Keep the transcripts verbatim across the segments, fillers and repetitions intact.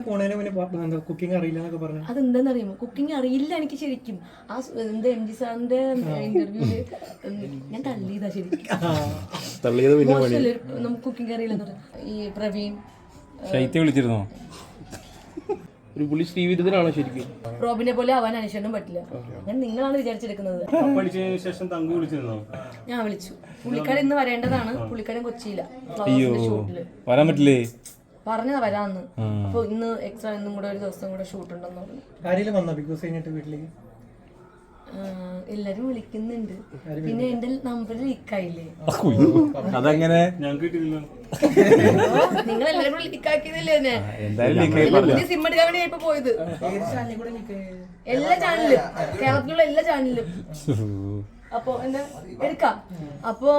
പോണേനെ പിന്നെ കുക്കിംഗ് അറിയില്ല എന്നൊക്കെ പറഞ്ഞു. അതെന്താന്ന് അറിയുമോ, കുക്കിംഗ് അറിയില്ല എനിക്ക് ശരിക്കും. ആ എന്താ എം ജി സാറിന്റെ ഇന്റർവ്യൂല് ഞാൻ തള്ളിയതാ ശരിക്കും. മോശമല്ലേ നമുക്ക് കുക്കിംഗ് അറിയില്ലെന്ന് പറഞ്ഞു. ഈ പ്രവീൺ ശൈത്യം വിളിച്ചിരുന്നോ? ഒരു പുള്ളി ശ്രീവിരുദ്ധനാണോ ശരിക്കും? റോബിനെ പോലെ ആവാൻ അനുഷ്ഠനും പറ്റില്ല. അങ്ങനെ നിങ്ങളാണ് വിചാരിച്ചെടുക്കുന്നത്. ഞാൻ വിളിച്ചു. പുള്ളിക്കാരൻ ഇന്ന് വരേണ്ടതാണ്. പുള്ളിക്കാരൻ കൊച്ചിയില്ല ഷൂട്ടില്. വരാൻ പറ്റില്ലേ? പറഞ്ഞതാ വരാന്ന്. അപ്പൊ ഇന്ന് എക്സ്ട്രാ ഇന്നും കൂടെ ഒരു ദിവസം കൂടെ ഷൂട്ട് ഉണ്ടെന്ന് പറഞ്ഞു. ആരെങ്കിലും വന്നോ ബിഗ് ബോസ് കഴിഞ്ഞിട്ട് വീട്ടിലേക്ക്? എല്ലാരും വിളിക്കുന്നുണ്ട്. പിന്നെ എന്റെ നമ്പർ ലീക്കായില്ലേ? അതെങ്ങനെ? നിങ്ങൾ എല്ലാരും കൂടെ ലീക്കാക്കിയതല്ലേ എന്നെ? സിം എടുക്കാൻ വേണ്ടി ഇപ്പൊ പോയത്. എല്ലാ ചാനലിലും, കേരളത്തിലുള്ള എല്ലാ ചാനലിലും. അപ്പൊ എന്താ എടുക്കാം. അപ്പൊ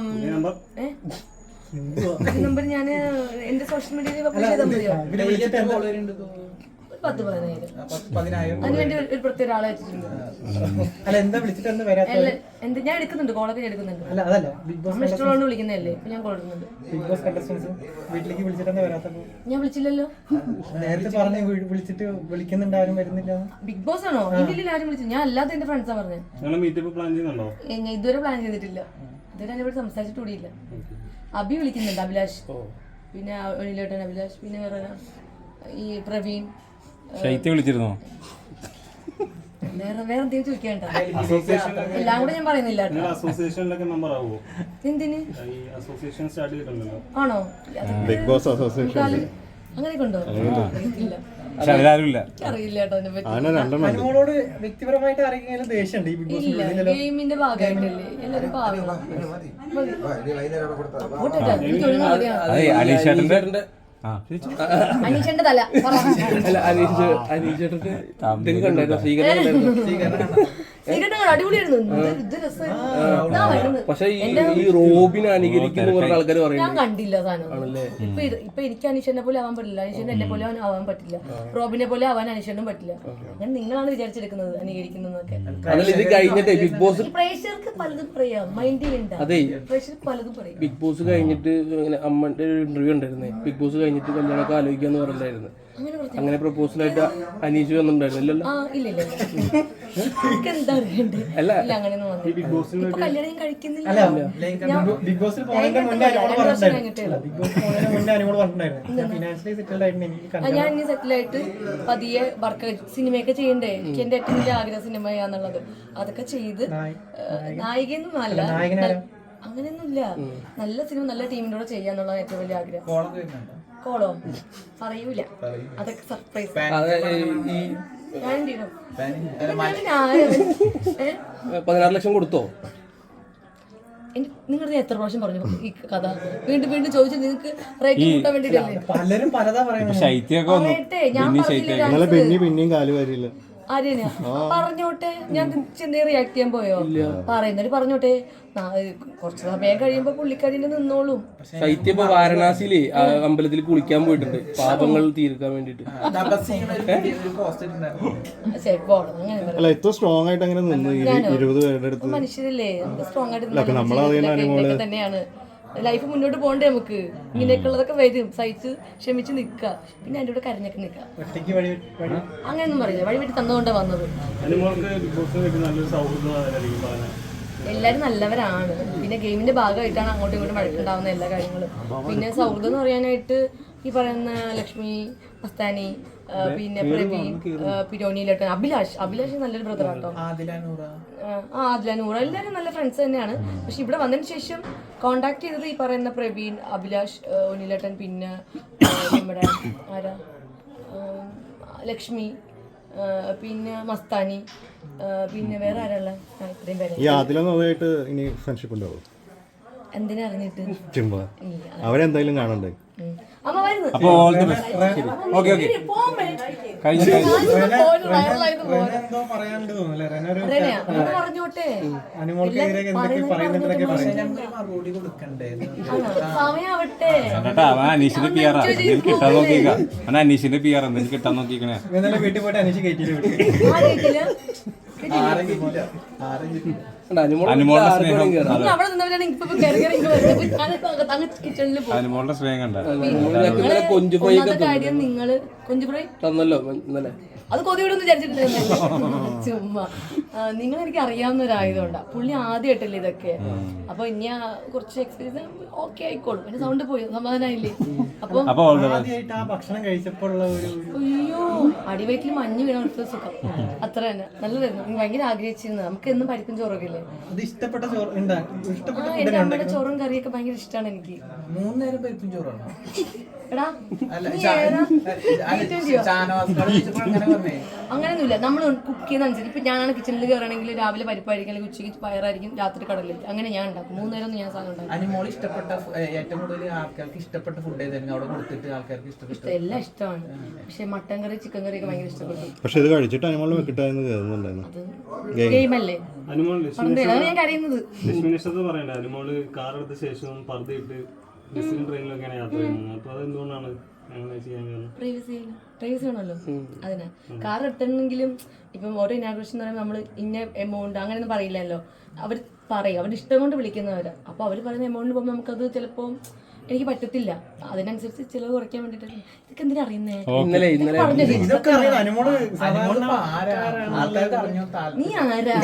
നമ്പർ ഞാന് എന്റെ സോഷ്യൽ മീഡിയയിൽ പബ്ലിഷ് ചെയ്താൽ മതിയോ? പത്ത് പതിനായിരം. അതിനുവേണ്ടി ഒരു പ്രത്യേക ഒരാളെ വെച്ചിട്ടുണ്ട്. എന്ത് ഞാൻ എടുക്കുന്നുണ്ട്, കോളൊക്കെ ഞാൻ എടുക്കുന്നുണ്ട്. നമ്മൾ ഇഷ്ടമുള്ളതുകൊണ്ട് വിളിക്കുന്നതല്ലേ. ഇപ്പൊ ഞാൻ കോൾ എടുക്കുന്നുണ്ട്. ഞാൻ വിളിച്ചില്ലല്ലോ. നേരത്തെ പറഞ്ഞു വിളിച്ചിട്ട് വിളിക്കുന്നുണ്ട്, ആരും വരുന്നില്ല. ബിഗ് ബോസ് ആണോ? ഇന്ത്യയിൽ ആരും വിളിച്ചു. ഞാൻ അല്ലാതെ എന്റെ ഫ്രണ്ട്സാ പറഞ്ഞത്. ഞാൻ ഇതുവരെ പ്ലാൻ ചെയ്തിട്ടില്ല. ഇതുവരെ അതിനെപ്പറ്റി സംസാരിച്ചിട്ട് കൂടിയില്ല. അഭി വിളിക്കുന്നുണ്ട്, അഭിലാഷ്, പിന്നെ ഒനിലേട്ടൻ അഭിലാഷ്, പിന്നെ വേറെ ഈ പ്രവീൺ. ശൈത്യം വിളിച്ചിരുന്നോ? വേറെ വേറെ എന്തെങ്കിലും ചോദിക്കണ്ട. എല്ലാം കൂടെ ഞാൻ പറയുന്നില്ല. എന്തിന് ആണോ? ബിഗ് ബോസ് അസോസിയേഷൻ അങ്ങനെയൊക്കെ ഉണ്ടോ? അറിയില്ല അനുമോളോട് വ്യക്തിപരമായിട്ട് ആരെങ്കിലും ദേഷ്യമുണ്ട് ഈ ബിഗ് ബോസ്? ഇല്ല, ഗെയിമിന്റെ ഭാഗമായിട്ടല്ലേ എല്ലാരും പാവങ്ങളാ. അലീഷേട്ടന്റെ അനീഷന്റെ തല അടിപൊളിയായിരുന്നു. പക്ഷെ ഈ റോബിനെ അനുകരിക്കുന്ന കുറേ ആൾക്കാർ ഞാൻ കണ്ടില്ല സാധനം. ഇപ്പൊ ഇപ്പൊ എനിക്ക് അനീഷനെ പോലെ ആവാൻ പറ്റില്ല, അനീഷന് എന്നെ പോലെ ആവാൻ പറ്റില്ല, റോബിനെ പോലെ ആവാൻ അനീഷനും പറ്റില്ല. അങ്ങനെ നിങ്ങളാണ് വിചാരിച്ചെടുക്കുന്നത് അനുകരിക്കുന്നതൊക്കെ. ബിഗ് ബോസ് പ്രേക്ഷകർക്ക് പലതും പറയാം, മൈൻഡിൽ ഉണ്ടാവും. പ്രേക്ഷകർക്ക് പലതും പറയാം. ബിഗ് ബോസ് കഴിഞ്ഞിട്ട് അമ്മന്റെ ഒരു ഇന്റർവ്യൂ ഉണ്ടായിരുന്നേ. ബിഗ് ബോസ് കഴിഞ്ഞിട്ട് കല്യാണമൊക്കെ ആലോചിക്കാന്ന് പറഞ്ഞിട്ടുണ്ടായിരുന്നു. അങ്ങനെ പ്രപ്പോസലായിട്ട് അനീഷ് വന്നിട്ടുണ്ടായിരുന്നില്ലല്ലോ? ഞാൻ ഇനി സെറ്റിലായിട്ട് പതിയെ വർക്ക് സിനിമയൊക്കെ ചെയ്യണ്ടേ. എനിക്ക് എന്റെ ഏറ്റവും വലിയ ആഗ്രഹം സിനിമയാന്നുള്ളത്. അതൊക്കെ ചെയ്ത് നായികയൊന്നും അല്ല, അങ്ങനെയൊന്നുമില്ല. നല്ല സിനിമ നല്ല ടീമിനോട് ചെയ്യാന്നുള്ളത് ഏറ്റവും വലിയ ആഗ്രഹം. കോളോ പറയൂല, അതൊക്കെ സർപ്രൈസ്. പതിനാറ് ലക്ഷം കൊടുത്തോ? നിങ്ങളുടെ എത്ര പ്രാവശ്യം പറഞ്ഞു ഈ കഥ? വീണ്ടും വീണ്ടും ചോദിച്ചു. നിങ്ങൾക്ക് റേറ്റിംഗ് കൂട്ടാൻ വേണ്ടിട്ടല്ലേ? പലരും പലതാ പറയുന്നത്. ഞാൻ പിന്നെയും കാല് വരില്ല. ആര്യ പറഞ്ഞോട്ടെ, ഞാൻ ചെന്നൈ റിയാക്ട് ചെയ്യാൻ പോയോ? പറയുന്നവര് പറഞ്ഞോട്ടെ, കുറച്ച് സമയം കഴിയുമ്പോ പുള്ളിക്കാരിന്റെ നിന്നോളും. ശൈത്യം ഇപ്പൊ വാരണാസിയില് അമ്പലത്തിൽ കുളിക്കാൻ പോയിട്ടുണ്ട് പാപങ്ങൾ തീർക്കാൻ വേണ്ടിട്ട്. സ്ട്രോങ് ആയിട്ട് അങ്ങനെ മനുഷ്യരല്ലേ, സ്ട്രോങ് ആയിട്ട് തന്നെയാണ്. ലൈഫ് മുന്നോട്ട് പോകണ്ടേ നമുക്ക്? ഇങ്ങനെയൊക്കെ ഉള്ളതൊക്കെ വരും, സഹിച്ച് ക്ഷമിച്ച് നിൽക്കുക. പിന്നെ അതിന്റെ കൂടെ കരഞ്ഞൊക്കെ നിൽക്കുക. അങ്ങനെയൊന്നും പറയില്ല, വഴി വെട്ടി തന്നുകൊണ്ടാണ് വന്നത്. എല്ലാവരും നല്ലവരാണ്. പിന്നെ ഗെയിമിന്റെ ഭാഗമായിട്ടാണ് അങ്ങോട്ടും ഇങ്ങോട്ടും വഴക്കുണ്ടാവുന്ന എല്ലാ കാര്യങ്ങളും. പിന്നെ സൗഹൃദം എന്ന് പറയാനായിട്ട് ഈ പറയുന്ന ലക്ഷ്മി, മസ്താനി, പിന്നെ പ്രവീൺ, പിരോണിയിലോട്ട് അഭിലാഷ് അഭിലാഷ് നല്ലൊരു ബ്രദർ ആട്ടോ. ആ ആദില നൂറ എല്ലാവരും നല്ല ഫ്രണ്ട്സ് തന്നെയാണ്. പക്ഷെ ഇവിടെ വന്നതിന് ശേഷം കോണ്ടാക്ട് ചെയ്തത് ഈ പറയുന്ന പ്രവീൺ, അഭിലാഷ്, ഒനിലേട്ടൻ, പിന്നെ നമ്മുടെ ആരാ ലക്ഷ്മി, പിന്നെ മസ്താനി, പിന്നെ വേറെ ആരാള്ള ഇത്രയും പേര്. ഇനി ഫ്രണ്ട്ഷിപ്പ് ഉണ്ടാവും. എന്തിനാ അറിഞ്ഞിട്ട്? അവരെന്തായാലും കാണണ്ടേ? അമ്മ വരുന്നു. പറഞ്ഞോട്ടെ, സമയാവട്ടെ. അനീഷിന്റെ പി ആർ കിട്ടാൻ നോക്കിക്ക. അനീഷിന്റെ പി ആർ എന്തെങ്കിലും കിട്ടാൻ നോക്കിക്കണേ. വീട്ടിൽ പോയിട്ട് അനീഷ് കയറ്റിയില്ല. ആ അനുമോളുടെ സ്നേഹം നിങ്ങൾ അവിടെ നിന്നവരാണ് ഇപ്പൊ കയറി കയറി ഇങ്ങ് വരുന്നത്. ഇപ്പൊ ഞാനിപ്പോ അകത്ത് അങ്ങ് കിച്ചണിൽ പോകും. അനുമോളുടെ സ്നേഹം കണ്ട കൊഞ്ചു ഫ്രൈ ഒന്നാമത്തെ കാര്യം നിങ്ങള് കൊഞ്ചു ഫ്രൈ തന്നല്ലോ ഇന്നലെ. അത് കൊതിവിടൊന്നും വിചാരിച്ചിട്ടില്ല ചുമ്മാ. നിങ്ങൾ എനിക്ക് അറിയാവുന്ന ഒരായതുകൊണ്ടാ. പുള്ളി ആദ്യമായിട്ടല്ലേ ഇതൊക്കെ. അപ്പൊ ഇനി ആ കുറച്ച് എക്സ്പീരിയൻസ് ഓക്കെ ആയിക്കോളും. പിന്നെ സൗണ്ട് പോയി സമാധാനായില്ലേ. അപ്പൊ ആദ്യമായിട്ട് ആ ഭക്ഷണം കഴിച്ചപ്പോഴുള്ള ഒരു അയ്യോ അടിവയറ്റിൽ മഞ്ഞ് വീണ ഒരു സുഖം അത്ര തന്നെ നല്ലതായിരുന്നു. എനിക്ക് ഭയങ്കര ആഗ്രഹിച്ചിരുന്നത്. നമുക്ക് എന്നും പരിപ്പും ചോറൊക്കെ ഇല്ലേ. അത് ഇഷ്ടപ്പെട്ട ചോറ് ഉണ്ടാക്കി ഇഷ്ടപ്പെട്ട ആ എന്റെ അമ്മയുടെ ചോറും കറിയൊക്കെ ഭയങ്കര ഇഷ്ടമാണ് എനിക്ക്. മൂന്ന് നേരം പരിപ്പും ചോറാണോ? എടാ അല്ല നീ ഷാ- ഏതാ? അല്ല, ഷാനവാസ്കാട് ചോദിച്ചപ്പോൾ അങ്ങനെ പറഞ്ഞേ. അങ്ങനെയൊന്നുമില്ല. നമ്മൾ കുക്ക് ചെയ്യുന്ന അനുസരിച്ച് ഇപ്പൊ ഞാനാണ് കിച്ചണിൽ കയറണമെങ്കിൽ രാവിലെ പരിപ്പായിരിക്കും, അല്ലെങ്കിൽ ഉച്ചയ്ക്ക് പയറായിരിക്കും, രാത്രി കടലിലേക്ക്. അങ്ങനെ ഞാൻ ഉണ്ടാക്കും. മൂന്ന് നേരം ഒന്നും ഞാൻ സാധനം ഉണ്ടാക്കും. അനുമോൾ ഇഷ്ടപ്പെട്ട ഫു- ഏ, ഏറ്റവും കൂടുതൽ ആൾക്കാർക്ക് ഇഷ്ടപ്പെട്ട ഫുഡ് ഏതായിരുന്നു അവിടെ കൊടുത്തിട്ട് ആൾക്കാർക്ക് ഇഷ്ടപ്പെട്ടു? എല്ലാം ഇഷ്ടമാണ്. പക്ഷെ മട്ടൻ കറി ചിക്കൻ കറി ഒക്കെ ഭയങ്കര ഇഷ്ടപ്പെട്ടു. പക്ഷെ ഇത് കഴിച്ചിട്ട് അനുമോള് വെക്കിട്ടായിരുന്നു കയറുന്നുണ്ടായിരുന്നു. അത് ഗെയിമല്ലേ അതാണ് ഞാൻ കരയുന്നത്. ലക്ഷ്മിനിഷ്ടത്ത് പറയണ്ടേ അനുമോള് കാർ എടുത്ത ശേഷവും പർദ്ദയിട്ട് ബസ്സിലും ട്രെയിനിലൊക്കെയാണ് യാത്ര ചെയ്യുന്നത്. അപ്പൊ അതെന്തുകൊണ്ടാണ് അങ്ങനെ ചെയ്യാൻ കാരണം? പ്രൈവസി പ്രൈവസി ആണല്ലോ അതിനാ. കാർ എടുത്തിട്ടുണ്ടെങ്കിലും ഇപ്പം ഓരോ ഇനാഗ്രേഷൻ എന്ന് പറയുമ്പോൾ നമ്മൾ ഇന്ന എമൗണ്ട് അങ്ങനെയൊന്നും പറയില്ലല്ലോ. അവർ പറയും അവരുടെ ഇഷ്ടം കൊണ്ട് വിളിക്കുന്നവരാ. അപ്പോൾ അവർ പറയുന്ന എമൗണ്ടിൽ പോകുമ്പോൾ നമുക്കത് ചിലപ്പോൾ എനിക്ക് പറ്റത്തില്ല. അതിനനുസരിച്ച് ചിലവ് കുറയ്ക്കാൻ വേണ്ടിയിട്ട് ഇതൊക്കെ എന്തിനാ അറിയുന്നേ. ഇന്നലെ ഇന്നലെ ഇതൊക്കെ അറിയാം അനുമോള് അനുമോൾ ഇപ്പൊ ആരാ? ആൾക്കാർക്ക് അറിഞ്ഞോ താൽ- നീ ആരാ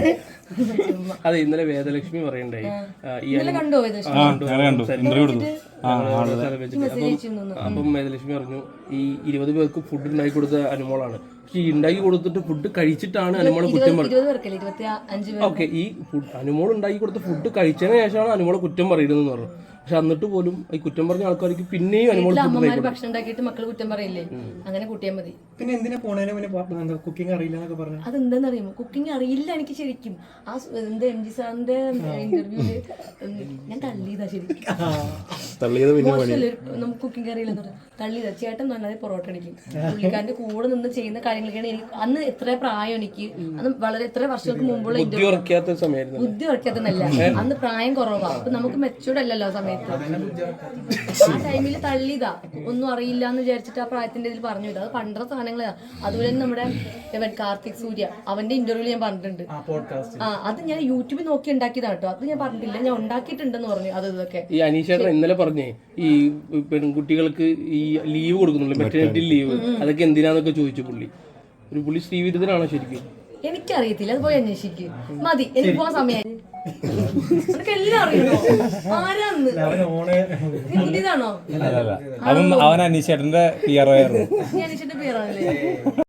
അതെ ഇന്നലെ വേദലക്ഷ്മി പറയണ്ടായി ആ, ഈ ഇന്നലെ കണ്ടോ ഇത് ആ ഞാൻ കണ്ടു ഇന്റർവ്യൂ കൊടുത്തു ആ ഞങ്ങള് സ്ഥലം വെച്ചിട്ട്. അപ്പം അപ്പം വേദലക്ഷ്മി പറഞ്ഞു ഈ ഇരുപത് പേർക്ക് ഫുഡ് ഉണ്ടാക്കി കൊടുത്ത അനുമോളാണ്. പക്ഷെ ഈ ഉണ്ടാക്കി കൊടുത്തിട്ട് ഫുഡ് കഴിച്ചിട്ടാണ് അനുമോളെ കുറ്റം പറയുന്നത്. ഇരുപത് പേർക്കല്ലേ ഇരുപത്തി അഞ്ച് പേർ. ഓക്കെ ഈ ഫുഡ് അനുമോൾ ഉണ്ടാക്കി കൊടുത്ത ഫുഡ് കഴിച്ചതിന് ശേഷമാണ് അനുമോളെ കുറ്റം പറയുന്നതെന്ന് പറഞ്ഞു. പക്ഷെ എന്നിട്ട് പോലും ഈ കുറ്റം പറഞ്ഞ ആൾക്കാർക്ക് പിന്നെയും അനുമോൾ ഫുഡ് അമ്മമാര് ഭക്ഷണം ഉണ്ടാക്കിയിട്ട് മക്കൾ കുറ്റം പറയില്ലേ. അങ്ങനെ കൂട്ടിയാൽ മതി. പിന്നെ എന്തിനാ പോണേനെ പിന്നെ കുക്കിംഗ് അറിയില്ല എന്നൊക്കെ പറഞ്ഞു. അതെന്താന്ന് അറിയുമോ, കുക്കിംഗ് അറിയില്ല എനിക്ക് ശരിക്കും. ആ സ് എന്താ എം ജി സാറിന്റെ ഇന്റർവ്യൂല് ഞാൻ തള്ളിയതാ ശരിക്കും. തള്ളിയത് പിന്നെ മോശമല്ലേ നമുക്ക് കുക്കിംഗ് അറിയില്ലെന്ന് പറഞ്ഞു തള്ളിയതാ. ചേട്ടൻ നന്നായി പൊറോട്ട അടിക്കും. പുള്ളിക്കാരന്റെ കൂടെ നിന്ന് ചെയ്യുന്ന കാര്യങ്ങളൊക്കെയാണ് എനിക്ക് അന്ന് എത്ര പ്രായം എനിക്ക് അന്ന് വളരെ എത്ര വർഷങ്ങൾക്ക് മുമ്പുള്ള ബുദ്ധി ഇന്റർവ്യൂ. ഉറക്കാത്ത സമയമായിരുന്നു. ബുദ്ധി ഉറക്കാത്തന്നല്ല, അന്ന് പ്രായം കുറവാ. അപ്പൊ നമുക്ക് മെച്ചൂർഡ് അല്ലല്ലോ ആ സമയത്ത്. ആ ടൈമിൽ തള്ളിയതാ. ഒന്നും അറിയില്ല എന്ന് വിചാരിച്ചിട്ട് ആ പ്രായത്തിന്റെ ഇതിൽ പറഞ്ഞു. ഇത് അത് പണ്ടത്തെ സാധനങ്ങളാ. അതുപോലെ തന്നെ നമ്മുടെ ഇവൻ കാർത്തിക് സൂര്യ അവന്റെ ഇന്റർവ്യൂല് ഞാൻ പറഞ്ഞിട്ടുണ്ട്. ആ അത് ഞാൻ യൂട്യൂബിൽ നോക്കി ഉണ്ടാക്കിയതാണ് കേട്ടോ. അത് ഞാൻ പറഞ്ഞിട്ടില്ല, ഞാൻ ഉണ്ടാക്കിയിട്ടുണ്ടെന്ന് പറഞ്ഞു. അത് ഇതൊക്കെ ഈ അനീഷേട്ടൻ ഇന്നലെ പറഞ്ഞേ ഈ പെൺകുട്ടികൾക്ക് ഈ ലീവ് കൊടുക്കുന്നുള്ളൂ, മെറ്റേണിറ്റി ലീവ്, അതൊക്കെ എന്തിനാന്നൊക്കെ ചോദിച്ചു പുള്ളി. ഒരു പുള്ളി ശ്രീവിരുദ്ധനാണോ ശരിക്കും? എനിക്കറിയത്തില്ല, അത് പോയി അന്വേഷിക്കും. മതി, എനിക്ക് പോകാൻ സമയം. നിനക്ക് എല്ലാം അറിയുമോ ആരാന്ന്? ഓണ് നീ പുതിയതാണോ? അല്ല അവൻ അവൻ അനീഷേട്ടന്റെ പി ആർ ഒ ആയിരുന്നു. ഞാൻ അന്വേഷിച്ചിട്ട് പേരാണല്ലേ.